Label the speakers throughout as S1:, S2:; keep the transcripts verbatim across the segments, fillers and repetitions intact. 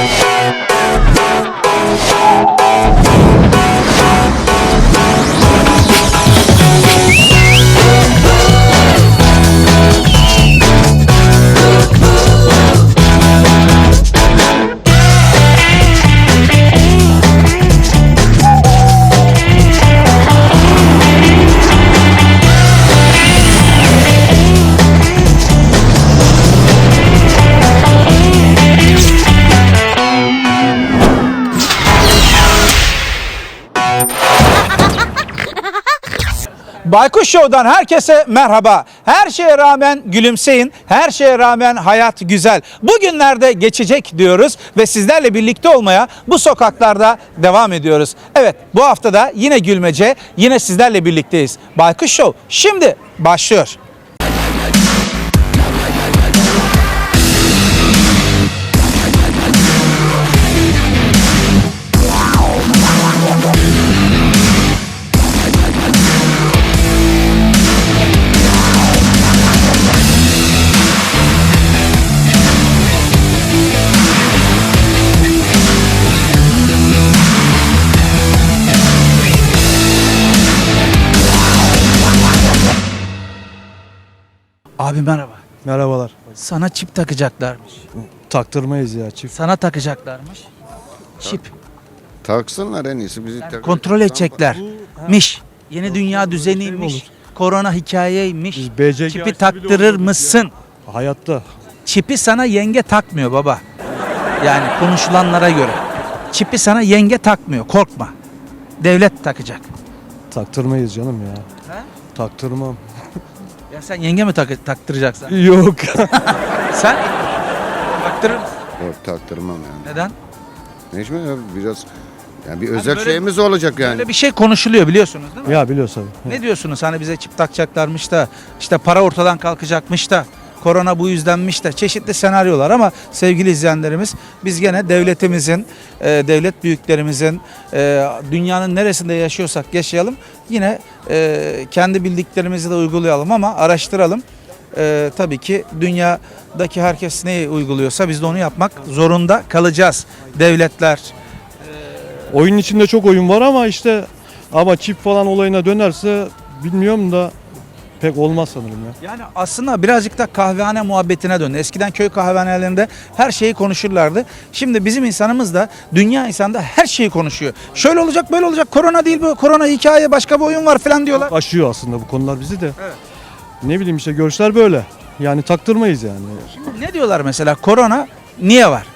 S1: Baykuş Show'dan herkese merhaba. Her şeye rağmen gülümseyin, her şeye rağmen hayat güzel. Bugünlerde geçecek diyoruz ve sizlerle birlikte olmaya bu sokaklarda devam ediyoruz. Evet, bu hafta da yine gülmece, yine sizlerle birlikteyiz. Baykuş Show şimdi başlıyor. Abi merhaba.
S2: Merhabalar.
S1: Sana çip takacaklarmış.
S2: Taktırmayız ya çift.
S1: Sana takacaklarmış. Çip.
S3: Taksınlar en iyisi bizi
S1: Yani
S3: tak-
S1: kontrol edeceklermiş. Yeni dünya düzeniymiş. Korona hikayeymiş.
S2: Biz B C G
S1: Çipi
S2: açtı bile
S1: taktırır
S2: olmadık
S1: mısın?
S2: ya. Hayatta.
S1: Çipi sana yenge takmıyor baba. Yani konuşulanlara göre. Çipi sana yenge takmıyor. Korkma. Devlet takacak.
S2: Taktırmayız canım ya.
S1: He?
S2: Taktırmam.
S1: Ya sen yenge mi tak taktıracaksın?
S2: Yok.
S1: Sen taktırır mısın?
S3: Yok, taktırmam yani.
S1: Neden?
S3: Necmi ya biraz yani bir özel
S1: böyle-
S3: şeyimiz olacak yani.
S1: Böyle bir şey konuşuluyor biliyorsunuz değil mi?
S2: Ya biliyorsun.
S1: Ne diyorsunuz? Hani bize çip takacaklarmış da işte para ortadan kalkacakmış da korona bu yüzdenmiş de çeşitli senaryolar ama sevgili izleyenlerimiz biz gene devletimizin, e, devlet büyüklerimizin e, dünyanın neresinde yaşıyorsak yaşayalım yine e, kendi bildiklerimizi de uygulayalım ama araştıralım. E, tabii ki dünyadaki herkes neyi uyguluyorsa biz de onu yapmak zorunda kalacağız. Devletler.
S2: Oyun içinde çok oyun var ama işte ama çift falan olayına dönerse bilmiyorum da pek olmaz sanırım ya.
S1: Yani aslında birazcık da kahvehane muhabbetine döndü. Eskiden köy kahvehanelerinde her şeyi konuşurlardı. Şimdi bizim insanımız da dünya insanı da her şeyi konuşuyor. Şöyle olacak böyle olacak korona değil bu korona hikaye başka bir oyun var falan diyorlar.
S2: Aşıyor aslında bu konular bizi de.
S1: Evet.
S2: Ne bileyim işte görüşler böyle. Yani taktırmayız yani.
S1: Ne diyorlar mesela korona niye var?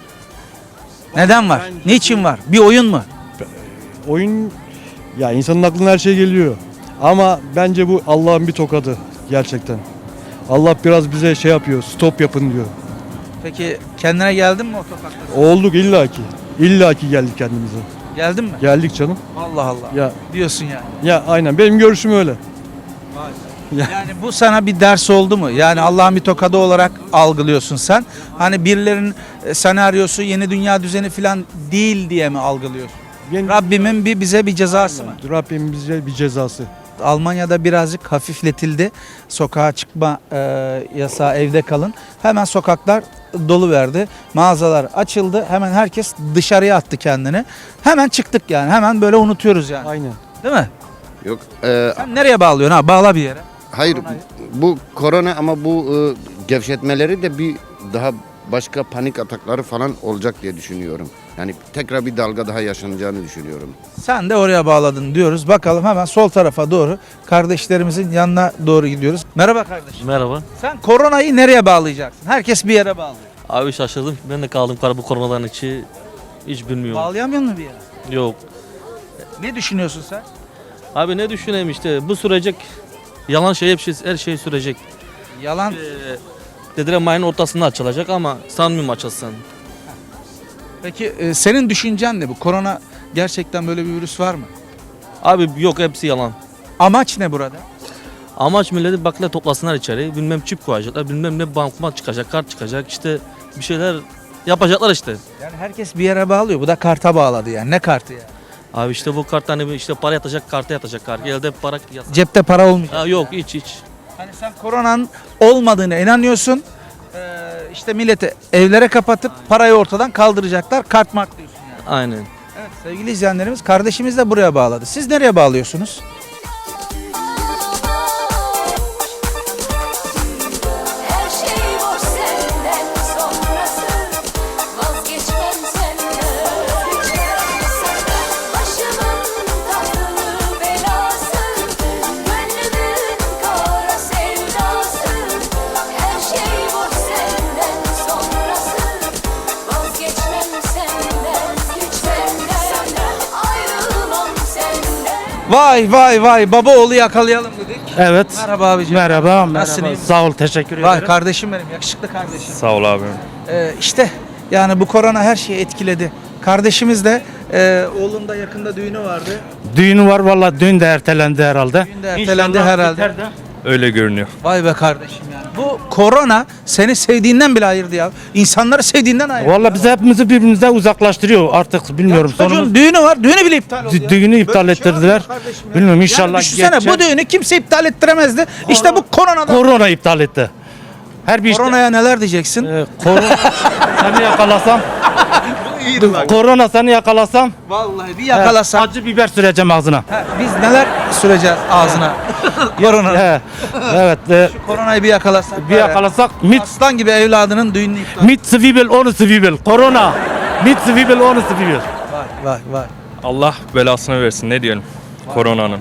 S1: Neden var? Niçin var? Bir oyun mu?
S2: Oyun ya insanın aklına her şey geliyor. Ama bence bu Allah'ın bir tokadı gerçekten. Allah biraz bize şey yapıyor, stop yapın diyor.
S1: Peki kendine geldin mi o sokakta?
S2: Olduk illaki. İllaki geldik kendimize.
S1: Geldin mi?
S2: Geldik canım.
S1: Allah Allah.
S2: Ya
S1: Diyorsun yani.
S2: ya aynen benim görüşüm öyle. Ya.
S1: Yani bu sana bir ders oldu mu? Yani Allah'ın bir tokadı olarak algılıyorsun sen. Hani birilerinin e, senaryosu yeni dünya düzeni falan değil diye mi algılıyorsun?
S2: Ben,
S1: Rabbimin bir bize bir cezası mı?
S2: Rabbim bize bir cezası.
S1: Almanya'da birazcık hafifletildi. Sokağa çıkma e, yasağı, evde kalın. Hemen sokaklar dolu verdi. Mağazalar açıldı. Hemen herkes dışarıya attı kendini. Hemen çıktık yani. Hemen böyle unutuyoruz yani.
S2: Aynen.
S1: Değil mi?
S3: Yok e,
S1: Sen nereye bağlıyorsun ha? Bağla bir yere.
S3: hayır
S1: koronayı.
S3: bu korona ama bu e, gevşetmeleri de bir daha başka panik atakları falan olacak diye düşünüyorum. Yani tekrar bir dalga daha yaşanacağını düşünüyorum.
S1: Sen de oraya bağladın diyoruz. Bakalım hemen sol tarafa doğru kardeşlerimizin yanına doğru gidiyoruz. Merhaba kardeşim.
S4: Merhaba.
S1: Sen koronayı nereye bağlayacaksın? Herkes bir yere bağlıyor.
S4: Abi şaşırdım. Ben de kaldım kar bu koronadan içi. Hiç bilmiyorum.
S1: Bağlayamıyor musun bir yere?
S4: Yok.
S1: Ne düşünüyorsun sen?
S4: Abi ne düşüneyim işte bu sürecek. Yalan şey hep şey, her şey sürecek.
S1: Yalan.
S4: Ee, dediler mayın ortasında açılacak ama sanmıyorum açılsın.
S1: Peki e, senin düşüncen ne bu? Korona gerçekten böyle bir virüs var mı?
S4: Abi yok hepsi yalan.
S1: Amaç ne burada?
S4: Amaç milleti bakla toplasınlar içeri. Bilmem çip koyacaklar. Bilmem ne bankmat çıkacak, kart çıkacak. İşte bir şeyler yapacaklar işte.
S1: Yani herkes bir yere bağlıyor. Bu da karta bağladı yani. Ne kartı yani?
S4: Abi işte bu kart hani işte para yatacak, karta yatacak kart. Elde para yasak.
S1: Cepte para olmayacak.
S4: Ha, yok hiç hiç.
S1: Hani sen koronanın olmadığına inanıyorsun Ee, işte milleti evlere kapatıp parayı ortadan kaldıracaklar. Kart mart diyorsun yani.
S4: Aynen.
S1: Evet sevgili izleyenlerimiz, kardeşimiz de buraya bağladı. Siz nereye bağlıyorsunuz?
S5: Her şey boş senden sonrası vazgeçmem senden başımın tatlı belası gönlümün kara sevdası her şey boş senden sonrası vazgeçmem senden senden ayrılmam senden.
S1: Vay vay vay, baba oğlu yakalayalım dedik.
S6: Evet.
S1: Merhaba abicim.
S6: Merhaba, merhaba.
S1: Nasılsın, iyi misin?
S6: Sağ ol, teşekkür
S1: Vay
S6: ederim.
S1: kardeşim benim, yakışıklı kardeşim.
S7: Sağ ol abi.
S1: Ee, işte yani bu korona her şeyi etkiledi. Kardeşimiz de e, oğlun da yakında düğünü vardı.
S6: Düğünü var valla, düğün de ertelendi herhalde.
S1: Düğün de ertelendi
S6: İnşallah
S1: herhalde.
S6: biter de.
S7: Öyle görünüyor.
S1: Vay be kardeşim yani. Bu korona seni sevdiğinden bile ayırdı ya. İnsanları sevdiğinden ayırdı.
S6: Valla bizi hepimizi birbirimize uzaklaştırıyor artık, bilmiyorum.
S1: Çocuğun
S6: Sonumuz
S1: düğünü var, düğünü bile iptal oldu
S6: Dü-
S1: ya.
S6: düğünü iptal
S1: Böyle bir şey
S6: ettirdiler.
S1: var mı kardeşim ya?
S6: Bilmiyorum, inşallah
S1: Yani düşünsene
S6: geçecek.
S1: bu düğünü kimse iptal ettiremezdi. İşte bu koronadan.
S6: korona iptal etti. Her bir işte.
S1: Koronaya neler diyeceksin?
S6: Ee, korona seni yakalasam,
S1: İyiydi bak.
S6: korona seni yakalasam,
S1: Vallahi bir yakalasam.
S6: acı biber süreceğim ağzına.
S1: Ha, biz neler süreceğiz ağzına? Korona.
S6: He, evet, e,
S1: Koronayı bir yakalasak.
S6: bir yakalasak mit
S1: Aslan gibi evladının düğününü iptal.
S6: mit swivel onu swivel. Korona. Mit swivel onu swivel.
S1: Vay vay vay.
S7: Allah belasını versin ne diyelim koronanın.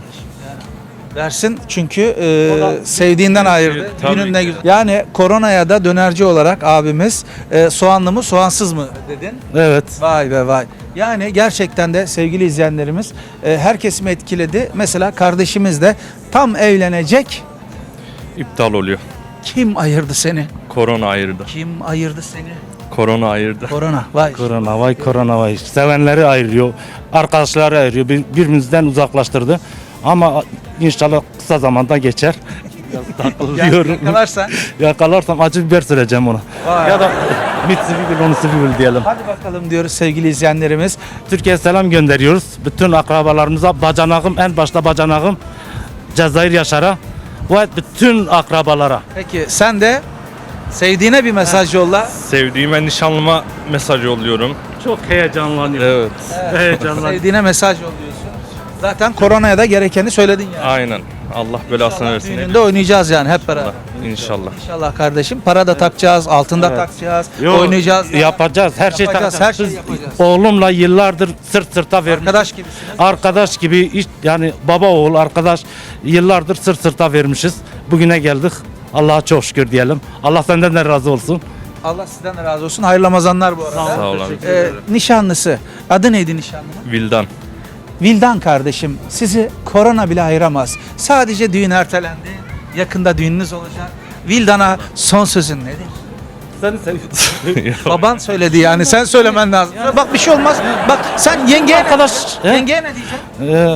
S1: Dersin çünkü e, sevdiğinden ayırdı.
S7: Tabii
S1: Düğünün ne
S7: ki.
S1: güzel. Yani koronaya da dönerci olarak abimiz e, soğanlı mı soğansız mı dedin?
S6: Evet.
S1: Vay be vay. Yani gerçekten de sevgili izleyenlerimiz e, her kesimi etkiledi. Mesela kardeşimiz de tam evlenecek.
S7: İptal oluyor.
S1: Kim ayırdı seni?
S7: Korona ayırdı.
S1: Kim ayırdı seni?
S7: Korona ayırdı.
S1: Korona. Vay.
S6: Korona vay, korona vay. Sevenleri ayırıyor, arkadaşları ayırıyor, bir- birbirimizden uzaklaştırdı. Ama inşallah kısa zamanda geçer. Biraz
S1: Yani
S6: takılıyorum.
S1: yakalarsan.
S6: Yakalarsam acı biber süreceğim ona.
S1: Vay.
S6: Ya da Mitsubishi onu Mitsubishi diyelim.
S1: Hadi bakalım diyoruz sevgili izleyenlerimiz.
S6: Türkiye'ye selam gönderiyoruz. Bütün akrabalarımıza, bacanağım, en başta bacanağım Cezayir Yaşar'a ve bütün akrabalara.
S1: Peki sen de sevdiğine bir mesaj yolla.
S7: Sevdiğime nişanlıma mesaj yolluyorum.
S6: Çok heyecanlanıyorum.
S7: Evet.
S6: Heyecanlanıyorum.
S1: Sevdiğine mesaj yolluyorsun. Zaten koronaya da gerekeni söyledin yani.
S7: Aynen. Allah belasını versin. ne
S1: Düğününde
S7: diyelim.
S1: oynayacağız yani hep beraber.
S7: İnşallah.
S1: İnşallah kardeşim. Para da takacağız, altın da takacağız,
S6: Yo,
S1: oynayacağız. da.
S6: Yapacağız. Her şey
S1: Yapacağız,
S6: takacağız.
S1: her şeyi
S6: Biz
S1: yapacağız.
S6: Oğlumla yıllardır sırt sırta vermiş.
S1: Arkadaş gibisiniz.
S6: Arkadaş gibi iş- yani baba oğul arkadaş yıllardır sırt sırta vermişiz. Bugüne geldik. Allah'a çok şükür diyelim. Allah senden de razı olsun.
S1: Allah sizden de razı olsun. Hayırlı Ramazanlar bu arada.
S7: Sağ ol abi.
S1: Ee, nişanlısı. Adı neydi nişanlının?
S7: Vildan.
S1: Vildan kardeşim. Sizi korona bile ayıramaz. Sadece düğün ertelendi. Yakında düğününüz olacak. Vildan'a son sözün nedir?
S6: Seni seviyorum.
S1: Baban söyledi yani. Sen söylemen lazım. Bak bir şey olmaz. Bak sen yengeye
S6: Arkadaş, he?
S1: Yengeye ne diyeceksin?
S6: Ee,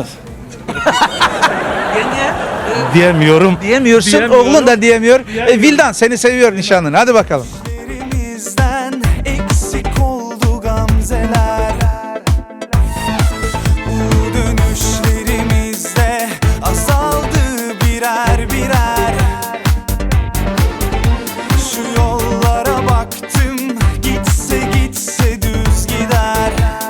S1: Yengeye
S6: diyemiyorum.
S1: diyemiyorsun.
S6: Diyemiyorum.
S1: Oğlun da diyemiyor. E, Vildan seni seviyor nişanlın. Hadi bakalım.
S8: Bizden eksik oldu gamzeler. Bu dönüşlerimizde azaldı birer birer. Şu yollara baktım, gitse gitse düz gider.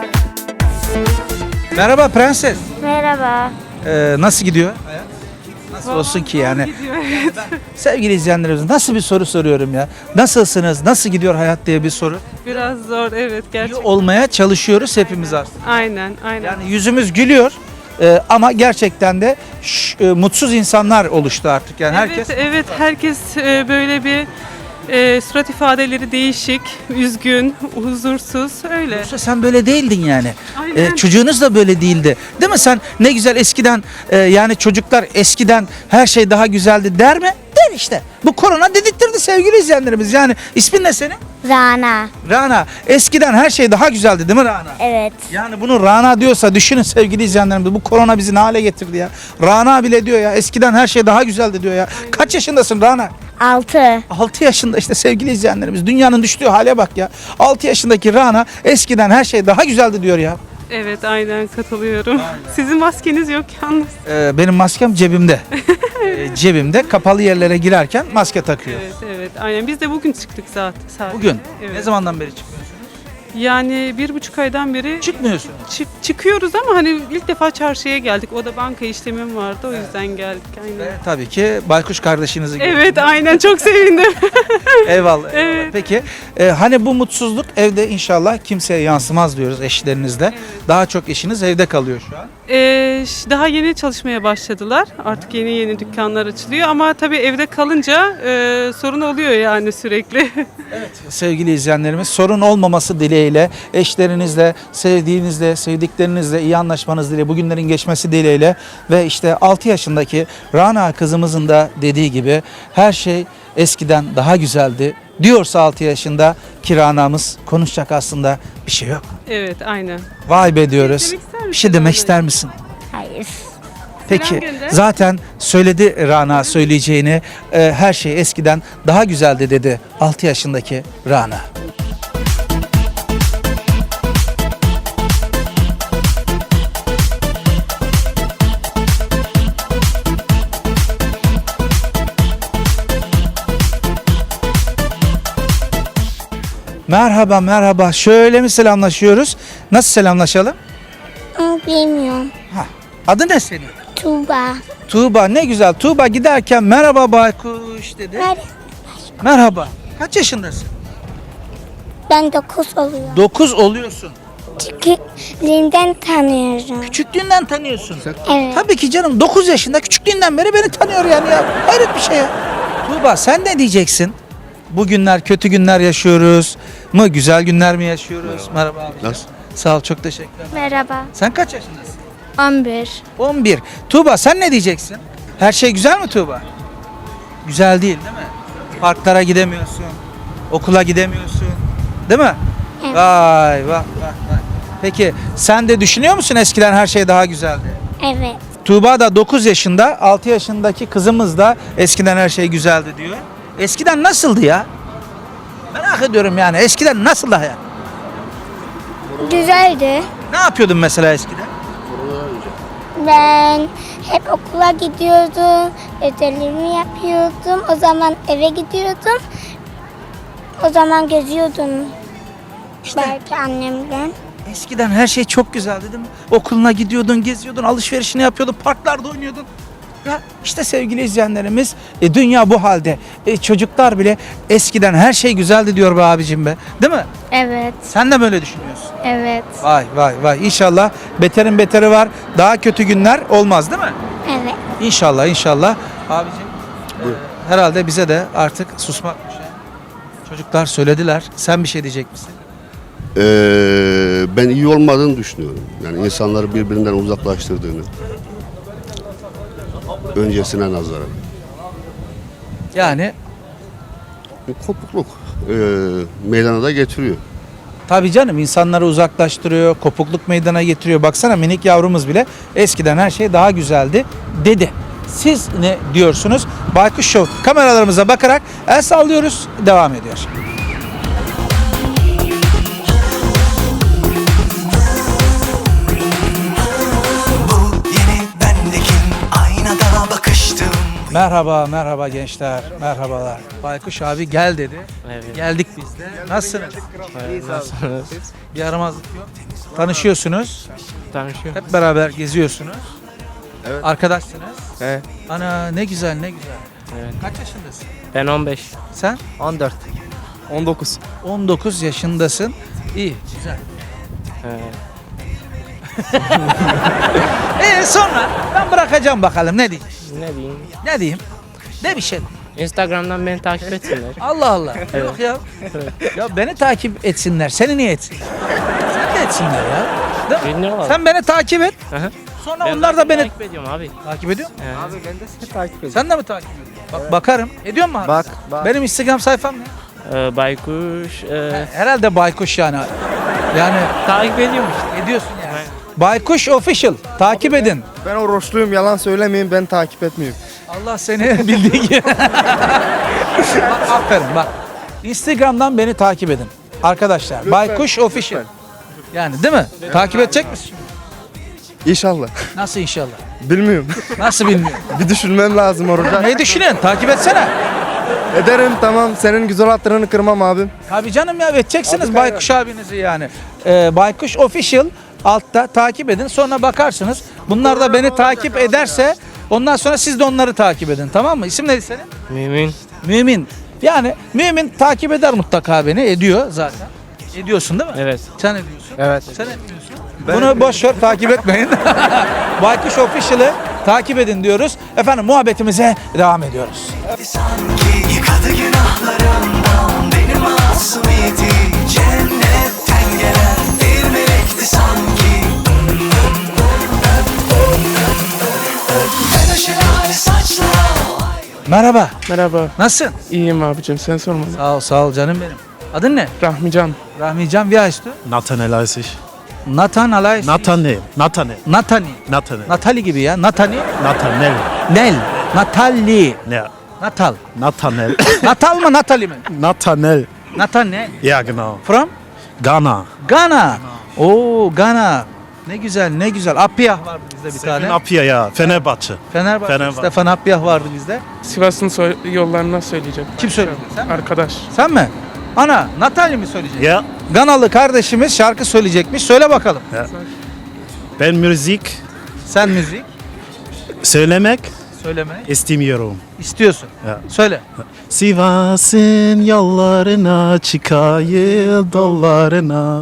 S1: Merhaba prenses.
S9: Merhaba.
S1: Ee, nasıl gidiyor hayat? Nasıl olsun ki yani? Sevgili izleyenlerimiz nasıl bir soru soruyorum ya? Nasılsınız? Nasıl gidiyor hayat diye bir soru.
S10: Biraz zor evet
S1: İyi
S10: gerçekten.
S1: olmaya çalışıyoruz hepimiz aslında.
S10: Aynen aynen.
S1: Yani yüzümüz gülüyor. Ee, ama gerçekten de ş- e, mutsuz insanlar oluştu artık. Yani herkes
S10: Evet evet herkes e, böyle bir e, surat ifadeleri değişik, üzgün, huzursuz öyle.
S1: Yoksa sen böyle değildin yani.
S10: Aynen.
S1: Ee, çocuğunuz da böyle değildi. Değil mi sen ne güzel eskiden e, yani çocuklar eskiden her şey daha güzeldi der mi? Der işte. Bu korona dedirttirdi sevgili izleyenlerimiz. Yani ismin ne senin?
S9: Rana.
S1: Rana. Eskiden her şey daha güzeldi değil mi Rana?
S9: Evet.
S1: Yani bunu Rana diyorsa düşünün sevgili izleyenlerimiz. Bu korona bizi ne hale getirdi ya. Rana bile diyor ya eskiden her şey daha güzeldi diyor ya. Kaç yaşındasın Rana?
S9: Altı.
S1: altı yaşında işte sevgili izleyenlerimiz. Dünyanın düştüğü hale bak ya. altı yaşındaki Rana eskiden her şey daha güzeldi diyor ya.
S10: Evet, aynen katılıyorum. Sizin maskeniz yok yalnız.
S1: Ee, benim maskem cebimde. Ee, cebimde kapalı yerlere girerken maske takıyor.
S10: Evet, evet, aynen. Biz de bugün çıktık zaten. Sadece.
S1: Bugün.
S10: Evet.
S1: Ne zamandan beri çıkıyorsunuz?
S10: Yani bir buçuk aydan beri
S1: Çıkmıyorsun.
S10: çık- çıkıyoruz ama hani ilk defa çarşıya geldik. O da banka işlemim vardı, o yüzden geldik. Aynen.
S1: Ve tabii ki baykuş kardeşinizi gördüm.
S10: Evet, aynen, çok sevindim.
S1: Eyvallah. eyvallah.
S10: Evet.
S1: Peki e, hani bu mutsuzluk evde inşallah kimseye yansımaz diyoruz eşlerinizle. Daha çok eşiniz evde kalıyor şu an.
S10: Ee, ş- daha yeni çalışmaya başladılar. Artık yeni yeni dükkanlar açılıyor ama tabii evde kalınca e, sorun oluyor yani sürekli.
S1: Sevgili izleyenlerimiz, sorun olmaması dileğiyle, eşlerinizle, sevdiğinizle, sevdiklerinizle iyi anlaşmanız dileğiyle, bugünlerin geçmesi dileğiyle ve işte altı yaşındaki Rana kızımızın da dediği gibi her şey eskiden daha güzeldi diyorsa altı yaşında ki Rana'mız, konuşacak aslında bir şey yok.
S10: Evet, aynen.
S1: Vay be diyoruz.
S10: Demek ister misin
S1: Bir şey demek
S10: Rana?
S1: ister misin?
S9: Hayır.
S1: Peki
S10: gönder.
S1: zaten söyledi Rana söyleyeceğini, e, her şey eskiden daha güzeldi dedi altı yaşındaki Rana. Merhaba merhaba, şöyle mi selamlaşıyoruz? Nasıl selamlaşalım?
S9: Bilmiyorum.
S1: Ha. Adı ne senin?
S9: Tuğba.
S1: Tuğba, ne güzel. Tuğba giderken merhaba baykuş dedi.
S9: Ben,
S1: Merhaba. Kaç yaşındasın?
S9: ben dokuz oluyor.
S1: dokuz oluyorsun.
S9: Küçüklüğümden tanıyorum.
S1: Küçüklüğünden tanıyorsun.
S9: Evet.
S1: Tabii ki canım, dokuz yaşında küçüklüğünden beri beni tanıyor yani ya. Hayret bir şey ya. Tuğba sen ne diyeceksin? Bugünler kötü günler yaşıyoruz mı? Güzel günler mi yaşıyoruz? Merhaba, abi.
S3: Nasıl?
S1: Sağ ol, çok teşekkürler.
S9: Merhaba.
S1: Sen kaç yaşındasın?
S9: on bir.
S1: on bir. Tuğba sen ne diyeceksin? Her şey güzel mi Tuğba? Güzel değil değil mi? Parklara gidemiyorsun. Okula gidemiyorsun. Değil mi?
S9: Evet.
S1: Vay vay vay vay. Peki sen de düşünüyor musun eskiden her şey daha güzeldi?
S9: Evet.
S1: Tuğba da dokuz yaşında, altı yaşındaki kızımız da eskiden her şey güzeldi diyor. Eskiden nasıldı ya? Merak ediyorum yani, eskiden nasıldı hayat?
S9: Güzeldi.
S1: Ne yapıyordun mesela eskiden?
S9: Ben hep okula gidiyordum. Ödevlerimi yapıyordum. O zaman eve gidiyordum. O zaman geziyordum. Belki annemden.
S1: Eskiden her şey çok güzeldi değil mi? Okuluna gidiyordun, geziyordun, alışverişini yapıyordun, parklarda oynuyordun. Ya işte sevgili izleyenlerimiz, e, dünya bu halde. E, çocuklar bile eskiden her şey güzeldi diyor be abicim be. Değil mi?
S9: Evet.
S1: Sen de böyle düşünüyorsun.
S9: Evet.
S1: Vay vay vay. İnşallah beterin beteri var. Daha kötü günler olmaz değil mi?
S9: Evet.
S1: İnşallah inşallah. Abicim e, herhalde bize de artık susmak düşer. Çocuklar söylediler. Sen bir şey diyecek misin?
S11: Ee, ben iyi olmadığını düşünüyorum. Yani insanları birbirinden uzaklaştırdığını. Öncesine nazaran.
S1: Yani
S11: Bir kopukluk e, meydana da getiriyor.
S1: tabii canım, insanları uzaklaştırıyor, kopukluk meydana getiriyor. Baksana minik yavrumuz bile eskiden her şey daha güzeldi dedi. Siz ne diyorsunuz? Baykuş Show kameralarımıza bakarak el sallıyoruz. Devam ediyor.
S8: Bu yeni bendekim, aynada bakıştım.
S1: Merhaba, merhaba gençler. Merhabalar. Baykuş abi gel dedi.
S4: Evet.
S1: Geldik biz de. Nasılsınız? Bir yaramazlık yok. Tanışıyorsunuz.
S4: Tanışıyor.
S1: Hep beraber geziyorsunuz.
S3: Evet.
S1: Arkadaşsınız.
S4: Evet.
S1: Ana ne güzel ne güzel.
S4: Evet.
S1: Kaç yaşındasın?
S4: Ben on beş.
S1: Sen?
S4: on dört. on dokuz.
S1: on dokuz yaşındasın. İyi, güzel.
S4: Evet.
S1: Ee sonra ben bırakacağım bakalım ne diyeyim?
S4: Ne diyeyim?
S1: Ne diyeyim? De bir şey.
S4: Instagram'dan beni takip etsinler.
S1: Allah Allah. Yok ya. Ya beni takip etsinler. Seni niye etsinler? Sen de etsinler ya. Değil mi?
S4: Bilmiyorum.
S1: Sen beni takip et.
S4: Hı hı.
S1: Sonra
S4: Ben
S1: onlar da beni
S4: takip ediyorum abi.
S1: takip ediyor mu?
S4: Evet.
S12: Abi ben de seni takip ediyorum.
S1: Sen de mi takip ediyorsun? Bak bakarım. Ediyor mu abi?
S12: Bak, bak.
S1: Benim Instagram sayfam ne?
S4: Ee, Baykuş. E,
S1: Herhalde Baykuş yani. Yani
S4: takip ediyorum işte.
S1: ediyorsun yani. Baykuş Official. Takip edin.
S12: Ben oruçluyum, yalan söylemeyeyim, ben takip etmiyorum.
S1: Allah seni bildiği gibi. Bak, aferin bak. Instagram'dan beni takip edin. Arkadaşlar
S12: Lütfen,
S1: Baykuş Official.
S12: lütfen.
S1: Yani değil mi? Takip edecek misin?
S12: İnşallah.
S1: Nasıl inşallah?
S12: Bilmiyorum.
S1: Nasıl bilmiyorum.
S12: Bir düşünmem lazım orada.
S1: Ne düşünüyorsun? Takip etsene.
S12: Ederim tamam. Senin güzel hatırını kırmam abim.
S1: Tabii canım ya edeceksiniz
S12: Abi,
S1: Baykuş abinizi yani. Ee, Baykuş Official altta takip edin sonra bakarsınız. Bunlar da beni takip ederse ondan sonra siz de onları takip edin, tamam mı? İsim neydi senin?
S4: Mümin.
S1: Mümin. Yani Mümin takip eder mutlaka beni. Ediyor zaten. Ediyorsun değil mi?
S4: Evet.
S1: Sen ediyorsun.
S12: Evet.
S1: Sen etmiyorsun. Bunu boş ver, takip etmeyin. Baykuş Official'ı takip edin diyoruz. Efendim muhabbetimize devam ediyoruz.
S8: Sanki yıkadı günahlarımdan beni masumiyeti cennetten gelen bir melekti sanki. Ben o şelale saçlara
S1: Merhaba.
S12: Merhaba.
S1: Nasılsın?
S12: İyiyim abicim. Sen sorma.
S1: Sağ ol, sağ ol canım benim. Adın ne?
S12: Rahmican.
S1: Rahmican, wie heißt du?
S13: Nathanael heiße ich.
S1: Nathan Alay.
S13: Nathanael. Nathanael.
S1: Natani.
S13: Nathanael.
S1: Natali gibi ya. Natani.
S13: Nathanael.
S1: Nel. Natali.
S13: Ja.
S1: Natal.
S13: Nathanael.
S1: Natal mı Natali mi?
S13: Nathanael.
S1: Nathan ne?
S13: Ja, genau.
S1: From?
S13: Ghana.
S1: Ghana. Oo Ghana. Ne güzel ne güzel. Apiyah vardı bizde bir
S13: Stefan
S1: tane.
S13: Apia ya. Fenerbahçe.
S1: Fenerbahçe.
S13: Fenerbahçe.
S1: Stefan Apiyah vardı bizde.
S12: Sivas'ın yollarına söyleyeceğim.
S1: Kim söyledi? Sen mi?
S12: Arkadaş.
S1: Sen mi? Ana Natali mi söyleyecek?
S13: Ja.
S1: Ganalı kardeşimiz şarkı söyleyecekmiş. Söyle bakalım.
S13: ja. Ben müzik
S1: Sen müzik
S13: söylemek
S1: söylemeyi
S13: istemiyorum.
S1: istiyorsun.
S13: Ya.
S1: Söyle.
S13: Sivas'ın yollarına çıkayım dallarına.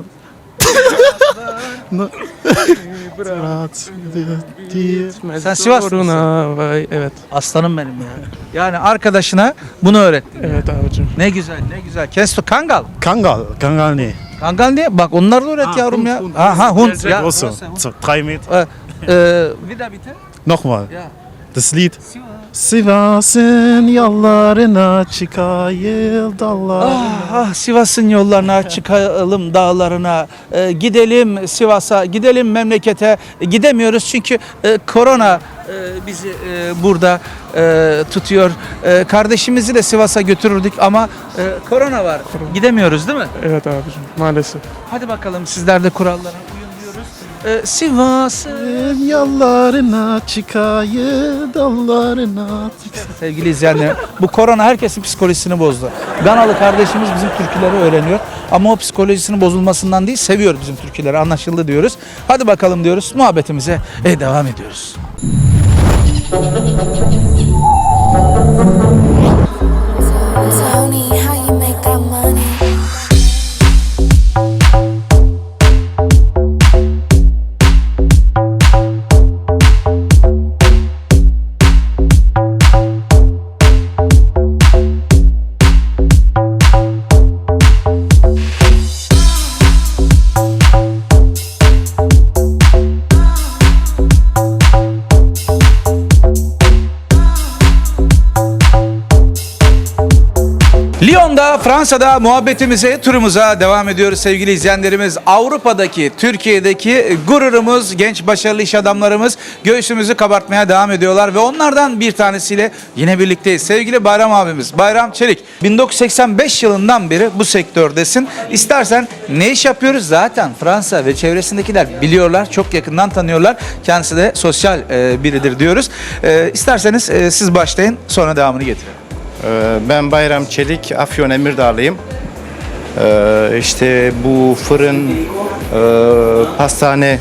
S1: Sen Sivaslısın.
S12: Vay, evet.
S1: Aslanım benim ya. Yani arkadaşına bunu öğrettin.
S12: Evet abicim.
S1: Ne güzel ne güzel. Kesto Kangal.
S13: Kangal. Kangal ne?
S1: Kangal ne? Bak onları da öğret yavrum ya. Aha Hund. Ya.
S13: Große.
S1: burası Hund.
S13: So, drei Meter.
S1: Ee, e, bir daha bitte.
S13: Nochmal.
S1: Ja.
S13: Das Lied. Sivas'ın yollarına çıkayım dallarına.
S1: Ah, ah Sivas'ın yollarına çıkalım dağlarına, e, gidelim Sivas'a, gidelim memlekete. E, gidemiyoruz çünkü e, korona e, bizi e, burada e, tutuyor. E, kardeşimizi de Sivas'a götürürdük ama e, korona var. Gidemiyoruz değil mi?
S12: Evet abicim. Maalesef.
S1: Hadi bakalım sizler de kurallara uyun diyoruz. E, Sivas'ın
S13: Yollarına çıkayım dallarına.
S1: Sevgili izleyenler, bu korona herkesin psikolojisini bozdu. Ganalı kardeşimiz bizim türküleri öğreniyor ama o psikolojisinin bozulmasından değil, seviyor bizim türküleri, anlaşıldı diyoruz. Hadi bakalım diyoruz, muhabbetimize e, devam ediyoruz.
S5: Tony, how you make that money?
S1: Lyon'da, Fransa'da muhabbetimize, turumuza devam ediyoruz sevgili izleyenlerimiz. Avrupa'daki, Türkiye'deki gururumuz, genç başarılı iş adamlarımız göğsümüzü kabartmaya devam ediyorlar ve onlardan bir tanesiyle yine birlikteyiz. Sevgili Bayram abimiz, Bayram Çelik. bin dokuz yüz seksen beş yılından beri bu sektördesin. İstersen ne iş yapıyoruz? Zaten Fransa ve çevresindekiler biliyorlar, çok yakından tanıyorlar. Kendisi de sosyal e, biridir diyoruz. E, isterseniz e, siz başlayın, sonra devamını getirelim.
S14: Ben Bayram Çelik, Afyon Emirdağlıyım. Ee, işte bu fırın, e, pastane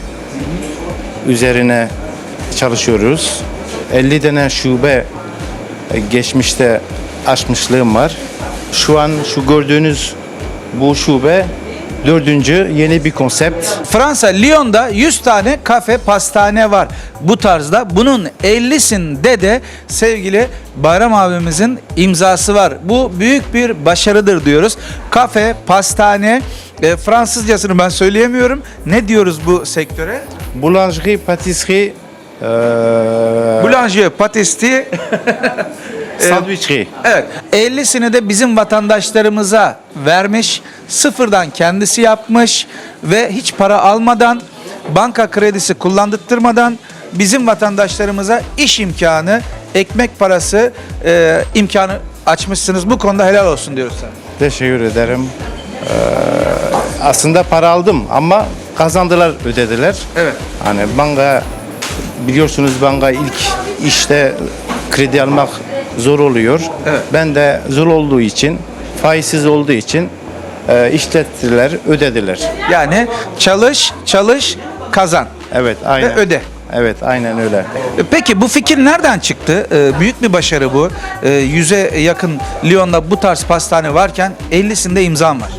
S14: üzerine çalışıyoruz. elli tane şube e, geçmişte açmışlığım var. Şu an şu gördüğünüz bu şube dördüncü yeni bir konsept.
S1: Fransa, Lyon'da yüz tane kafe, pastane var bu tarzda. Bunun ellisinde de sevgili Bayram abimizin imzası var. Bu büyük bir başarıdır diyoruz. Kafe, pastane, e, Fransızcasını ben söyleyemiyorum. Ne diyoruz bu sektöre?
S14: Boulangerie, patisserie, e,
S1: Boulanger, patisserie,
S14: sandwicherie.
S1: evet. ellisini de bizim vatandaşlarımıza vermiş. Sıfırdan kendisi yapmış ve hiç para almadan, banka kredisi kullandırtmadan bizim vatandaşlarımıza iş imkanı, ekmek parası e, imkanı açmışsınız. Bu konuda helal olsun diyoruz sana.
S14: Teşekkür ederim. Ee, aslında para aldım ama kazandılar, ödediler.
S1: Evet.
S14: Hani banka, biliyorsunuz banka ilk işte kredi almak zor oluyor.
S1: Evet.
S14: Ben de zor olduğu için, faizsiz olduğu için e, işlettiler, ödediler.
S1: Yani çalış, çalış, kazan
S14: Evet, aynen.
S1: ve öde.
S14: Evet, aynen öyle.
S1: E, Peki bu fikir nereden çıktı? E, büyük bir başarı bu. E, yüze yakın Lyon'da bu tarz pastane varken ellisinde imzam var.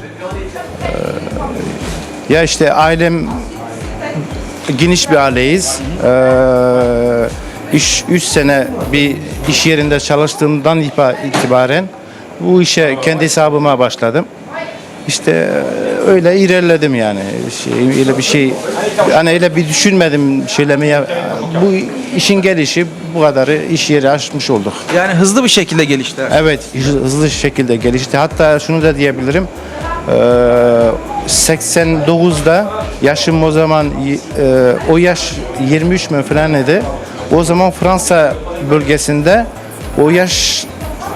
S14: Ya işte ailem geniş bir aileyiz. Ee, iş üç sene bir iş yerinde çalıştığımdan itibaren bu işe kendi hesabıma başladım. İşte öyle ilerledim yani. Şey, öyle bir şey hani öyle bir düşünmedim şeylemeye. Bu işin gelişi bu kadarı iş yeri açmış olduk.
S1: Yani hızlı bir şekilde gelişti.
S14: Evet, hızlı şekilde gelişti. Hatta şunu da diyebilirim. seksen dokuzda yaşım o zaman o yaş yirmi üç mü falan idi. O zaman Fransa bölgesinde o yaş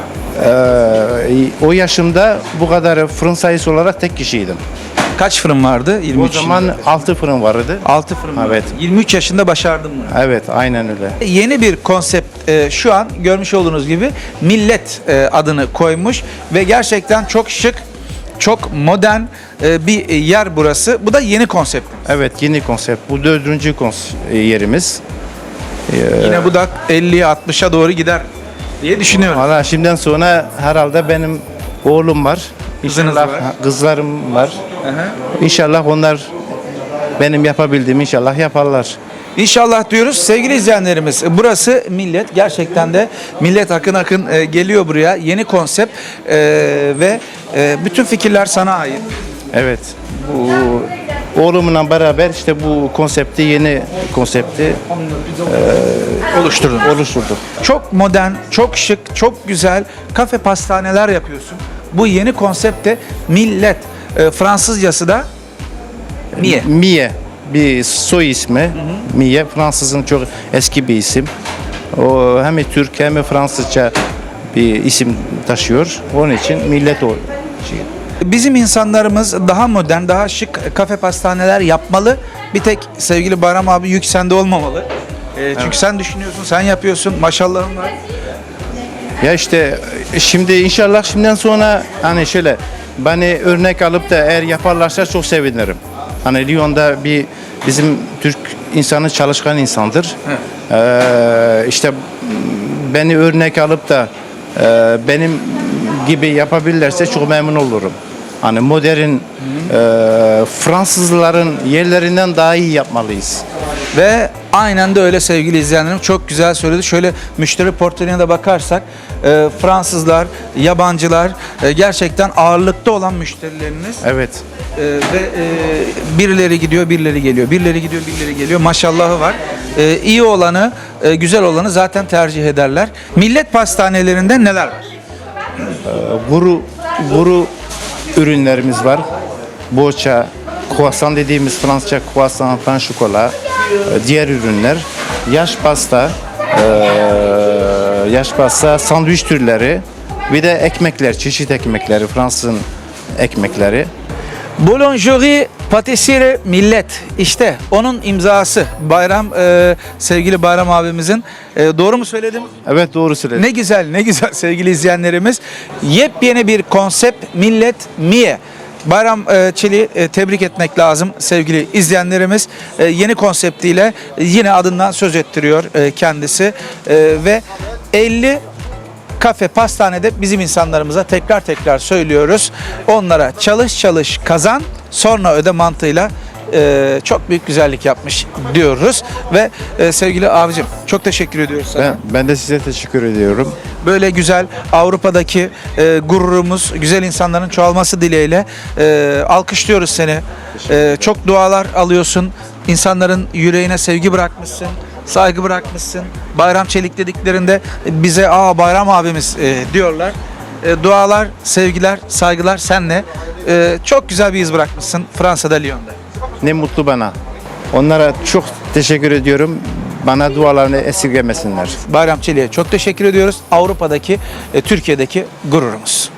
S14: o yaşımda bu kadar fırın sayısı olarak tek kişiydim.
S1: Kaç fırın vardı? yirmi
S14: O
S1: üç
S14: zaman
S1: yılında.
S14: altı fırın vardı.
S1: altı fırın vardı.
S14: Evet.
S1: yirmi üç yaşında başardım bunu.
S14: Evet, aynen öyle.
S1: Yeni bir konsept e, şu an görmüş olduğunuz gibi Millet e, adını koymuş ve gerçekten çok şık, çok modern e, bir yer burası. Bu da yeni konsept.
S14: Evet, yeni konsept. Bu dördüncü kons- yerimiz.
S1: Yine bu da elliye altmışa doğru gider diye düşünüyorum.
S14: Valla şimdiden sonra herhalde benim oğlum var.
S1: Kızınız
S14: İnşallah
S1: var.
S14: kızlarım var.
S1: Aha.
S14: İnşallah onlar benim yapabildiğimi inşallah yaparlar.
S1: İnşallah diyoruz. Sevgili izleyenlerimiz, burası Millet. Gerçekten de millet akın akın e, geliyor buraya. Yeni konsept e, ve e, bütün fikirler sana ait.
S14: Evet. Bu oğlumla beraber işte bu konsepti, yeni konsepti
S1: Oluşturdun.
S14: oluşturduk.
S1: Çok modern, çok şık, çok güzel kafe pastaneler yapıyorsun. Bu yeni konsepte Millet. E, Fransızcası da Mie.
S14: Mie bir soy ismi. Mie Fransızın çok eski bir isim. O hem Türk hem Fransızca bir isim taşıyor. Onun için millet o şey.
S1: Bizim insanlarımız daha modern, daha şık kafe pastaneler yapmalı. Bir tek sevgili Bayram abi yük sende olmamalı. E, çünkü sen düşünüyorsun, sen yapıyorsun. Maşallahın var.
S14: Ya işte şimdi inşallah şimdiden sonra hani şöyle beni örnek alıp da eğer yaparlarsa çok sevinirim. Hani Lyon'da bir bizim Türk insanı çalışkan insandır. Ee, işte beni örnek alıp da e, benim gibi yapabilirlerse çok memnun olurum. Hani modern e, Fransızların yerlerinden daha iyi yapmalıyız.
S1: Ve aynen de öyle sevgili izleyenlerim. Çok güzel söyledi. Şöyle müşteri portföyüne de bakarsak e, Fransızlar, yabancılar e, gerçekten ağırlıkta olan müşterileriniz.
S14: Evet.
S1: E, ve e, birileri gidiyor, birileri geliyor. Birileri gidiyor, birileri geliyor. Maşallahı var. E, iyi olanı, e, güzel olanı zaten tercih ederler. Millet pastanelerinde neler var?
S14: Guru, guru ürünlerimiz var. Boça, croissant dediğimiz Fransızca croissant, pain chocolat, diğer ürünler. Yaş pasta, yaş pasta, sandviç türleri, bir de ekmekler, çeşit ekmekleri, Fransızın ekmekleri.
S1: Boulangerie, Patisserie, Millet. İşte onun imzası. Bayram, e, sevgili Bayram abimizin. E, doğru mu söyledim?
S14: Evet, doğru söyledin.
S1: Ne güzel, ne güzel sevgili izleyenlerimiz. Yepyeni bir konsept Millet Mie. Bayram e, Çelik'i e, tebrik etmek lazım sevgili izleyenlerimiz. E, yeni konseptiyle yine adından söz ettiriyor e, kendisi. E, ve elli kafe, pastanede bizim insanlarımıza tekrar tekrar söylüyoruz. Onlara çalış çalış kazan, sonra öde mantığıyla e, çok büyük güzellik yapmış diyoruz. Ve e, sevgili abicim çok teşekkür ediyoruz sana.
S14: Ben, ben de size teşekkür ediyorum.
S1: Böyle güzel Avrupa'daki e, gururumuz, güzel insanların çoğalması dileğiyle e, alkışlıyoruz seni. E, çok dualar alıyorsun. İnsanların yüreğine sevgi bırakmışsın, saygı bırakmışsın. Bayram Çelik dediklerinde bize aa Bayram abimiz e, diyorlar. E, dualar, sevgiler, saygılar senle. E, çok güzel bir iz bırakmışsın Fransa'da, Lyon'da.
S14: Ne mutlu bana. Onlara çok teşekkür ediyorum. Bana dualarını esirgemesinler.
S1: Bayram Çelik'e çok teşekkür ediyoruz. Avrupa'daki, e, Türkiye'deki gururumuz.